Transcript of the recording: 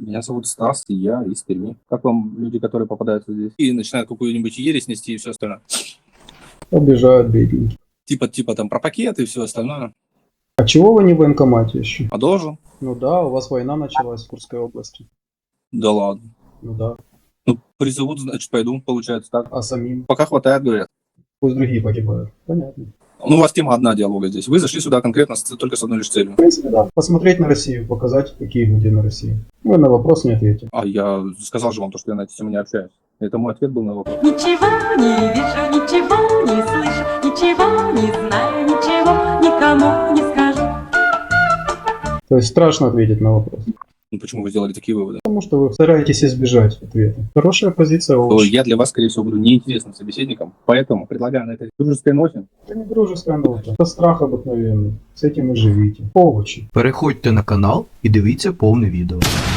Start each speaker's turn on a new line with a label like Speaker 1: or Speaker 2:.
Speaker 1: Меня зовут Стас, и я из Перми. Как вам люди, которые попадаются здесь и начинают какую-нибудь ересь нести и все остальное?
Speaker 2: Обижают бедненьких.
Speaker 1: Типа там про пакеты и все остальное.
Speaker 2: А чего вы не в военкомате еще?
Speaker 1: А должен?
Speaker 2: Ну да, у вас война началась в Курской области.
Speaker 1: Да ладно.
Speaker 2: Ну да.
Speaker 1: Ну, призовут, значит, пойду, получается так.
Speaker 2: А самим?
Speaker 1: Пока хватает, говорят.
Speaker 2: Пусть другие погибают. Понятно.
Speaker 1: Ну, у вас тема одна диалога здесь. Вы зашли сюда конкретно только с одной лишь целью.
Speaker 2: В принципе, да. Посмотреть на Россию, показать, какие люди на России. Вы на вопрос не ответите.
Speaker 1: А я сказал же вам то, что я на эти темы не общаюсь. Это мой ответ был на вопрос.
Speaker 3: Ничего не вижу, ничего не слышу, ничего не знаю, ничего никому не скажу.
Speaker 2: То есть страшно ответить на вопрос.
Speaker 1: Ну, почему вы сделали такие выводы?
Speaker 2: Потому что вы стараетесь избежать ответа. Хорошая позиция
Speaker 1: То
Speaker 2: овощ.
Speaker 1: я для вас, скорее всего, буду неинтересным собеседником, поэтому предлагаю на этой дружеской ноте.
Speaker 2: Это не дружеская нота. Это страх обыкновенный. С этим и живите. Овощи.
Speaker 4: Переходьте на канал і дивіться повне відео.